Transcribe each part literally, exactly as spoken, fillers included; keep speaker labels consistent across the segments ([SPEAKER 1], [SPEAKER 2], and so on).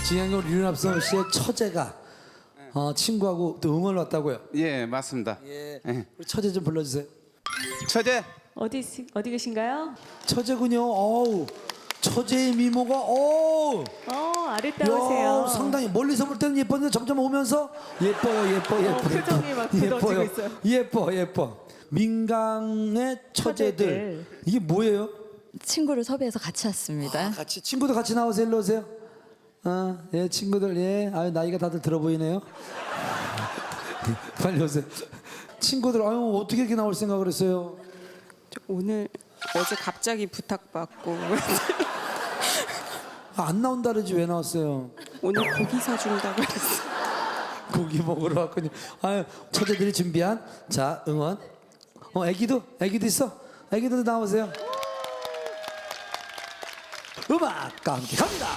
[SPEAKER 1] 진양경 류납성 씨의 처제가 어, 친구하고 또 응원을 왔다고요.
[SPEAKER 2] 예, 맞습니다.
[SPEAKER 1] 예.
[SPEAKER 2] 예.
[SPEAKER 1] 우리 처제 좀 불러주세요.
[SPEAKER 2] 처제.
[SPEAKER 3] 어디 어디 계신가요?
[SPEAKER 1] 처제군요. 어우, 처제의 미모가 어우,
[SPEAKER 3] 어 아름다우세요.
[SPEAKER 1] 야, 상당히 멀리서 볼 때는 예뻤는데 점점 오면서 예뻐요, 예뻐, 예뻐.
[SPEAKER 3] 어, 표정이 막 굳어지고 있어요.
[SPEAKER 1] 예뻐, 예뻐. 민강의 처제들.
[SPEAKER 3] 처제들.
[SPEAKER 1] 이게 뭐예요?
[SPEAKER 4] 친구를 섭외해서 같이 왔습니다.
[SPEAKER 1] 아, 같이 친구도 같이 나오세요. 일로 오세요. 아, 예, 친구들 예. 아, 나이가 다들 들어 보이네요. 빨리 오세요. 친구들 아유 어떻게 이렇게 나올 생각을 했어요?
[SPEAKER 5] 저 오늘 어제 갑자기 부탁받고
[SPEAKER 1] 아, 안 나온다 그러지 왜 나왔어요?
[SPEAKER 5] 오늘 고기 사준다고 했어.
[SPEAKER 1] 고기 먹으러 왔군요. 아유, 처제들이 준비한 자 응원. 어, 애기도 애기도 있어. 애기도 나오세요. 음악과 함께 갑니다.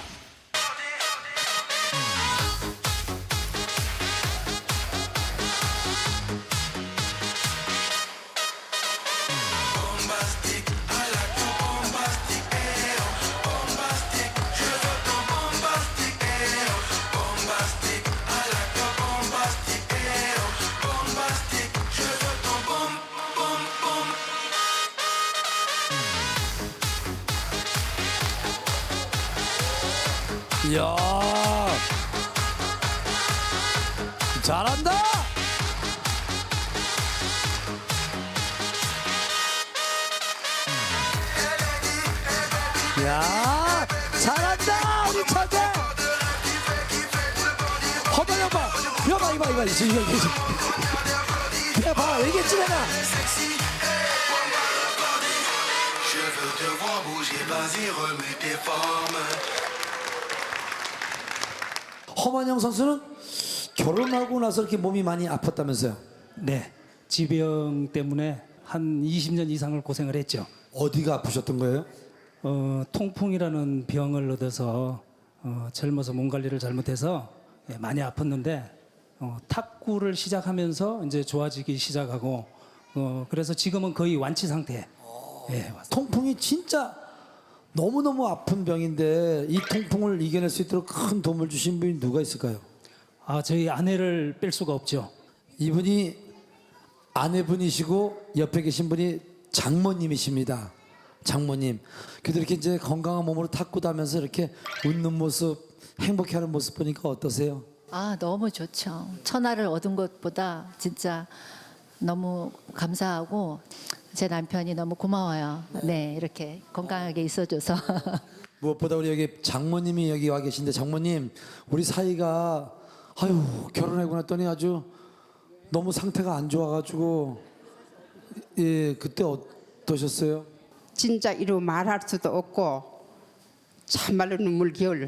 [SPEAKER 1] 이야, 잘한다. 야, 잘한다 우리 처제. 허벌 여봐, 여봐 이봐 이봐 이봐 이봐 이봐. 야, 봐 얘기했지 내가.
[SPEAKER 6] Je veux te voir bouger, vas-y, remets tes formes.
[SPEAKER 1] 허만영 선수는 결혼하고 나서 이렇게 몸이 많이 아팠다면서요?
[SPEAKER 7] 네, 지병 때문에 한 이십 년 이상을 고생을 했죠.
[SPEAKER 1] 어디가 아프셨던 거예요?
[SPEAKER 7] 어, 통풍이라는 병을 얻어서 어, 젊어서 몸 관리를 잘못해서 예, 많이 아팠는데 어, 탁구를 시작하면서 이제 좋아지기 시작하고 어, 그래서 지금은 거의 완치 상태. 예, 맞습니다.
[SPEAKER 1] 통풍이 진짜 너무너무 아픈 병인데 이 통풍을 이겨낼 수 있도록 큰 도움을 주신 분이 누가 있을까요?
[SPEAKER 7] 아, 저희 아내를 뺄 수가 없죠.
[SPEAKER 1] 이분이 아내분이시고 옆에 계신 분이 장모님이십니다. 장모님. 그래도 이렇게 이제 건강한 몸으로 탁구도 하면서 이렇게 웃는 모습, 행복해하는 모습 보니까 어떠세요?
[SPEAKER 4] 아, 너무 좋죠. 천하를 얻은 것보다 진짜 너무 감사하고 제 남편이 너무 고마워요. 네, 이렇게 건강하게 있어줘서.
[SPEAKER 1] 무엇보다 우리 여기 장모님이 여기 와 계신데 장모님 우리 사이가 아유 결혼하고 났더니 아주 너무 상태가 안 좋아가지고 예 그때 어떠셨어요?
[SPEAKER 5] 진짜 이루 말할 수도 없고 참말로 눈물겨울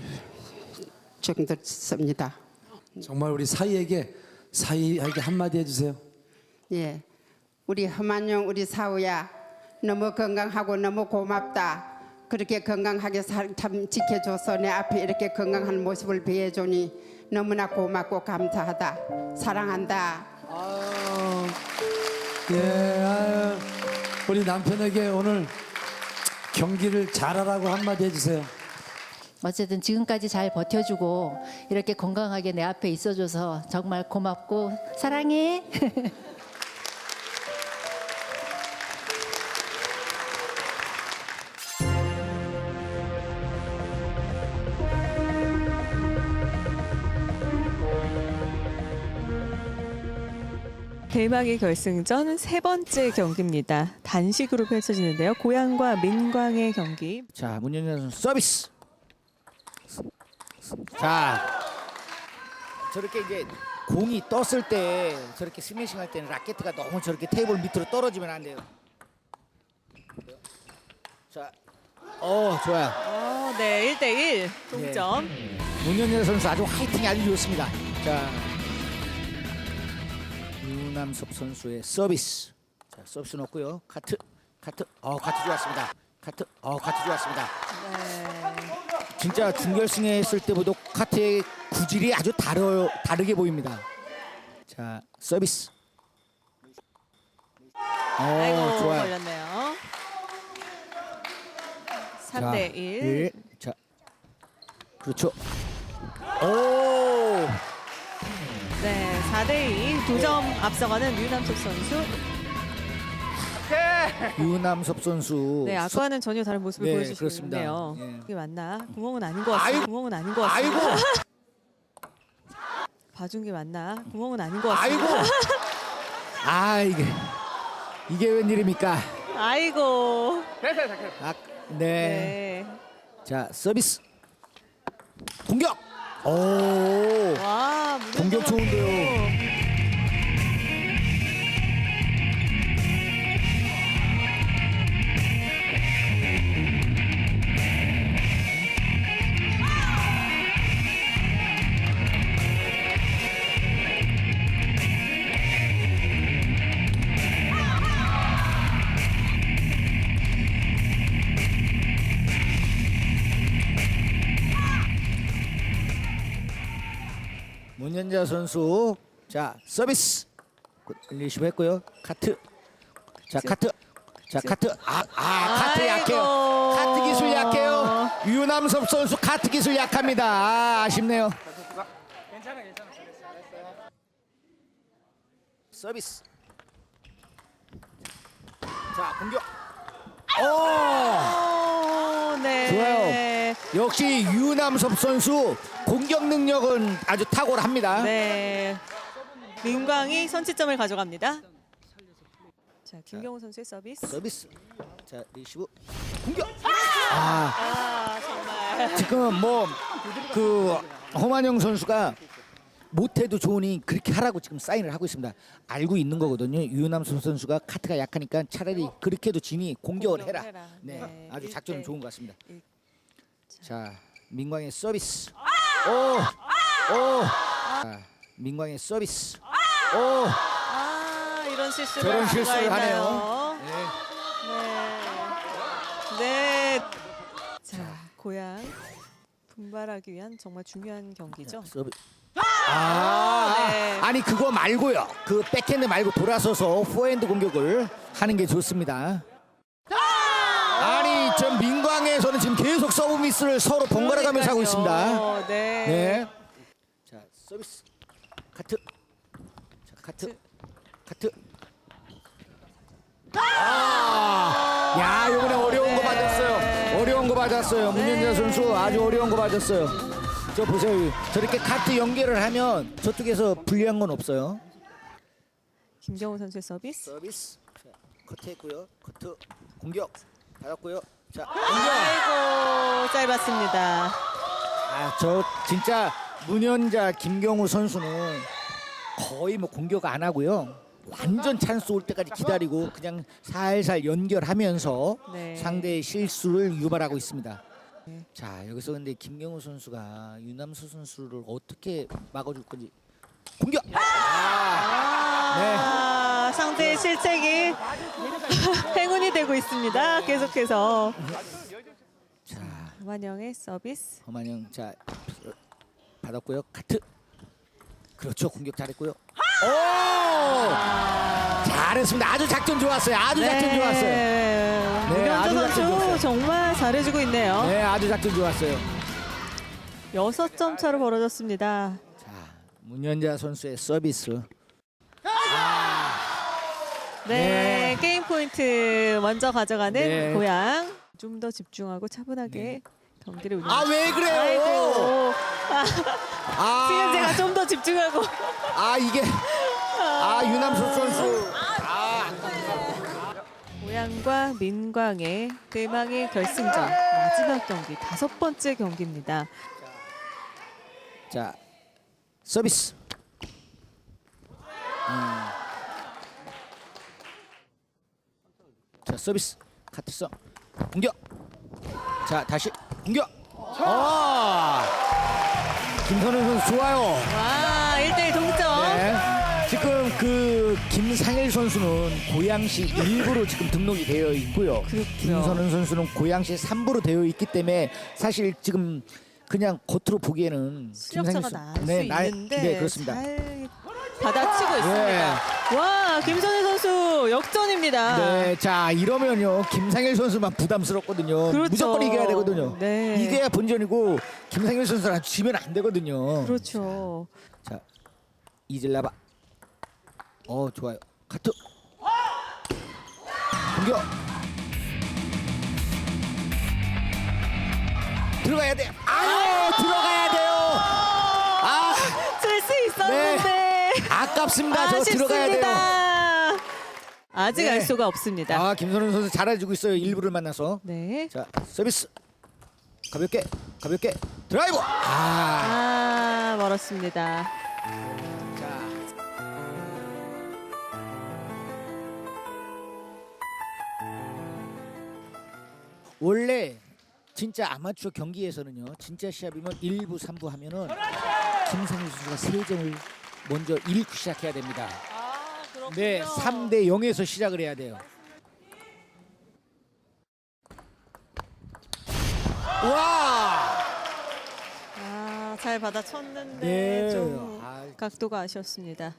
[SPEAKER 5] 정도였습니다.
[SPEAKER 1] 정말 우리 사이에게 사이에게 한마디 해주세요.
[SPEAKER 5] 예, 우리 허만용 우리 사우야 너무 건강하고 너무 고맙다. 그렇게 건강하게 살, 참 지켜줘서 내 앞에 이렇게 건강한 모습을 비해주니 너무나 고맙고 감사하다. 사랑한다.
[SPEAKER 1] 아유, 예, 아유, 우리 남편에게 오늘 경기를 잘하라고 한마디 해주세요.
[SPEAKER 4] 어쨌든 지금까지 잘 버텨주고 이렇게 건강하게 내 앞에 있어줘서 정말 고맙고 사랑해.
[SPEAKER 3] 대망의 결승전 세 번째 경기입니다. 단식으로 펼쳐지는데요. 고양과 민광의 경기.
[SPEAKER 8] 자, 문현현 선수 서비스. 자, 저렇게 이제 공이 떴을 때 저렇게 스매싱 할 때는 라켓가 너무 저렇게 테이블 밑으로 떨어지면 안 돼요. 자, 어 좋아요.
[SPEAKER 3] 어, 네, 일 대 일 동점.
[SPEAKER 8] 문현현 선수 아주 화이팅이 아주 좋습니다. 자, 유남섭 선수의 서비스. 자, 서비스 넣고요. 카트, 카트, 어 카트 좋았습니다. 카트, 어 카트 좋았습니다. 진짜 준결승에 했을 때보다 카트의 구질이 아주 다르, 다르게 보입니다. 자, 서비스. 어,
[SPEAKER 3] 아이고,
[SPEAKER 8] 좋아요.
[SPEAKER 3] 걸렸네요. 삼 대 일.
[SPEAKER 8] 일. 자, 그렇죠. 오.
[SPEAKER 3] 네, 사 대 이 두 점 앞서가는 류남석 선수.
[SPEAKER 8] 유남섭 선수.
[SPEAKER 3] 네, 아까와는 전혀 다른 모습을
[SPEAKER 8] 네,
[SPEAKER 3] 보여주시고
[SPEAKER 8] 그렇습니다.
[SPEAKER 3] 있네요.
[SPEAKER 8] 예.
[SPEAKER 3] 이게 맞나? 구멍은 아닌 것 같습니다.
[SPEAKER 8] 아이고.
[SPEAKER 3] 구멍은 아닌 것 같습니다.
[SPEAKER 8] 아이고.
[SPEAKER 3] 봐준 게 맞나? 구멍은 아닌 것 같습니다.
[SPEAKER 8] 아이고. 아 이게 이게 웬일입니까?
[SPEAKER 3] 아이고.
[SPEAKER 8] 아, 네.
[SPEAKER 3] 네.
[SPEAKER 8] 자 서비스. 공격. 오.
[SPEAKER 3] 와,
[SPEAKER 8] 공격 좋은데요. 문현자 선수. 자 서비스. 리시브 했고요. 카트. 자 카트. 자 카트. 아, 아 카트
[SPEAKER 3] 아이고.
[SPEAKER 8] 약해요. 카트 기술 약해요. 유남섭 선수 카트 기술 약합니다. 아, 아쉽네요. 서비스. 자 공격. 오.
[SPEAKER 3] 오, 네.
[SPEAKER 8] 좋아요. 역시 유남섭 선수 공격 능력은 아주 탁월합니다.
[SPEAKER 3] 네. 민광이 선취점을 가져갑니다. 자, 김경호 선수의 서비스.
[SPEAKER 8] 서비스. 자 리시브. 공격. 아
[SPEAKER 3] 아, 정말.
[SPEAKER 8] 지금 뭐 그 허만영 선수가 못해도 좋으니 그렇게 하라고 지금 사인을 하고 있습니다. 알고 있는 거거든요. 유남섭 선수가 카트가 약하니까 차라리 그렇게도 지니 공격을 해라.
[SPEAKER 3] 공격을 해라.
[SPEAKER 8] 네,
[SPEAKER 3] 네,
[SPEAKER 8] 아주
[SPEAKER 3] 일
[SPEAKER 8] 작전은
[SPEAKER 3] 대
[SPEAKER 8] 좋은 것 같습니다.
[SPEAKER 3] 일.
[SPEAKER 8] 자, 민광의 서비스. 오, 오. 자, 민광의 서비스. 오,
[SPEAKER 3] 아, 이런 실수를
[SPEAKER 8] 저런
[SPEAKER 3] 할 수가
[SPEAKER 8] 실수를
[SPEAKER 3] 있나요?
[SPEAKER 8] 하네요. 네.
[SPEAKER 3] 네. 네. 자, 고향 분발하기 위한 정말 중요한 경기죠.
[SPEAKER 8] 서비. 아,
[SPEAKER 3] 네.
[SPEAKER 8] 아니 그거 말고요. 그 백핸드 말고 돌아서서 포핸드 공격을 하는 게 좋습니다. 아니 전 민광에서는 지금 계속 서브 미스를 서로 번갈아 가면서 하고 있습니다.
[SPEAKER 3] 그러니까요. 네.
[SPEAKER 8] 네. 자 서비스. 카트. 자 카트. 카트. 아, 야 이번에 어려운 거 맞았어요. 어려운 거 맞았어요. 문현자 선수 아주 어려운 거 맞았어요. 저 보세요. 저렇게 카트 연결을 하면 저쪽에서 불리한 건 없어요.
[SPEAKER 3] 김경호 선수의 서비스.
[SPEAKER 8] 서비스. 자, 커트했고요. 커트 공격 받았고요. 자 공격.
[SPEAKER 3] 아이고, 짧았습니다.
[SPEAKER 8] 아, 저 진짜 문현자 김경우 선수는 거의 뭐 공격 안 하고요. 완전 찬스 올 때까지 기다리고 그냥 살살 연결하면서
[SPEAKER 3] 네.
[SPEAKER 8] 상대의 실수를 유발하고 있습니다. 자 여기서 근데 김경우 선수가 유남수 선수를 어떻게 막아줄 건지 공격. 아, 네.
[SPEAKER 3] 아, 상대의 실책이 행운이 되고 있습니다. 계속해서
[SPEAKER 8] 자
[SPEAKER 3] 만영의 서비스.
[SPEAKER 8] 허만영 자 받았고요. 카트. 그렇죠. 공격 잘했고요. 오! 잘했습니다. 아주 작전 좋았어요. 아주 작전 좋았어요.
[SPEAKER 3] 네,
[SPEAKER 8] 네, 아주
[SPEAKER 3] 문현자
[SPEAKER 8] 작전
[SPEAKER 3] 선수
[SPEAKER 8] 좋았어요.
[SPEAKER 3] 정말 잘해주고 있네요.
[SPEAKER 8] 네, 아주 작전 좋았어요.
[SPEAKER 3] 여섯 점 차로 벌어졌습니다.
[SPEAKER 8] 자, 문현자 선수의 서비스.
[SPEAKER 3] 네,
[SPEAKER 8] 네.
[SPEAKER 3] 게임 포인트 먼저 가져가는
[SPEAKER 8] 네.
[SPEAKER 3] 고양. 좀 더 집중하고 차분하게 경기를 운영.
[SPEAKER 8] 아, 왜 그래요?
[SPEAKER 3] 아이고. 아,
[SPEAKER 8] 아,
[SPEAKER 3] 지금 제가 좀 더 집중하고.
[SPEAKER 8] 아 이게 아 유남석 선수.
[SPEAKER 3] 고양과 민광의 대망의 결승전 마지막 경기 다섯 번째 경기입니다.
[SPEAKER 8] 자, 서비스. 음. 자, 서비스. 카트성. 공격. 자, 다시 공격. 아! 김선우 선수 좋아요.
[SPEAKER 3] 와, 일 대 일 동점.
[SPEAKER 8] 네. 지금 그 김상일 선수는 고양시 일부로 지금 등록이 되어 있고요.
[SPEAKER 3] 그렇군요.
[SPEAKER 8] 김선우 선수는 고양시 삼부로 되어 있기 때문에 사실 지금 그냥 겉으로 보기에는
[SPEAKER 3] 실력차가
[SPEAKER 8] 김상일
[SPEAKER 3] 날
[SPEAKER 8] 선-
[SPEAKER 3] 수
[SPEAKER 8] 네, 날-
[SPEAKER 3] 있는데
[SPEAKER 8] 네, 그렇습니다.
[SPEAKER 3] 잘 받아치고 있습니다.
[SPEAKER 8] 네.
[SPEAKER 3] 와, 김선우 선수 로 역전입니다.
[SPEAKER 8] 네, 자 이러면요 김상일 선수만 부담스럽거든요.
[SPEAKER 3] 그렇죠.
[SPEAKER 8] 무조건 이겨야 되거든요.
[SPEAKER 3] 네.
[SPEAKER 8] 이겨야 본전이고 김상일 선수랑 지면 안 되거든요.
[SPEAKER 3] 그렇죠.
[SPEAKER 8] 자 이질라바. 어 좋아요. 카트. 공격. 들어가야 돼. 아유 들어가야 돼요. 아
[SPEAKER 3] 칠 수 있었는데
[SPEAKER 8] 아깝습니다. 저 들어가야 돼요.
[SPEAKER 3] 아쉽습니다. 아직
[SPEAKER 8] 네.
[SPEAKER 3] 알 수가 없습니다.
[SPEAKER 8] 아 김선우 선수 잘해주고 있어요. 일부를 만나서.
[SPEAKER 3] 네.
[SPEAKER 8] 자 서비스 가볍게 가볍게 드라이브. 아.
[SPEAKER 3] 아, 멀었습니다.
[SPEAKER 8] 자. 원래 진짜 아마추어 경기에서는요. 진짜 시합이면 일 부, 삼 부 하면은 김상일 선수가 세 점을 먼저 잃고 시작해야 됩니다. 네, 삼 대 영에서 시작을 해야 돼요. 와!
[SPEAKER 3] 아, 잘 받아쳤는데
[SPEAKER 8] 네.
[SPEAKER 3] 좀
[SPEAKER 8] 아.
[SPEAKER 3] 각도가 아쉬웠습니다.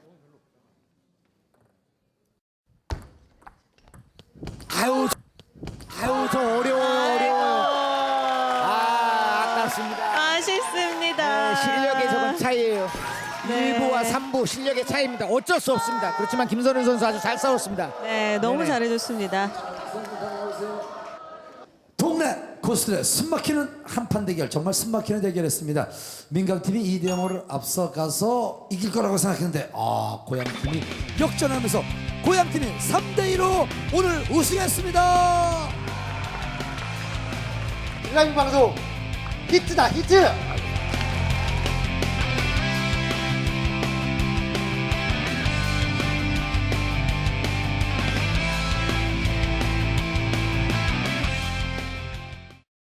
[SPEAKER 8] 아유, 아유, 저 어려워요, 어려워요. 아, 아깝습니다.
[SPEAKER 3] 아쉽습니다.
[SPEAKER 8] 네, 실력의 조금 차이예요.
[SPEAKER 3] 네.
[SPEAKER 8] 일 부와 삼 부 실력의 차이입니다. 어쩔 수 없습니다. 그렇지만 김선우 선수 아주 잘 싸웠습니다.
[SPEAKER 3] 네, 너무
[SPEAKER 8] 네네.
[SPEAKER 3] 잘해줬습니다.
[SPEAKER 1] 동네 고수들의 숨막히는 한판 대결, 정말 숨막히는 대결했습니다. 민강팀이 이 대 영으로 앞서가서 이길 거라고 생각했는데 아 고향팀이 역전하면서 고향팀이 삼 대 이로 오늘 우승했습니다.
[SPEAKER 9] 라이브 방송 히트다 히트.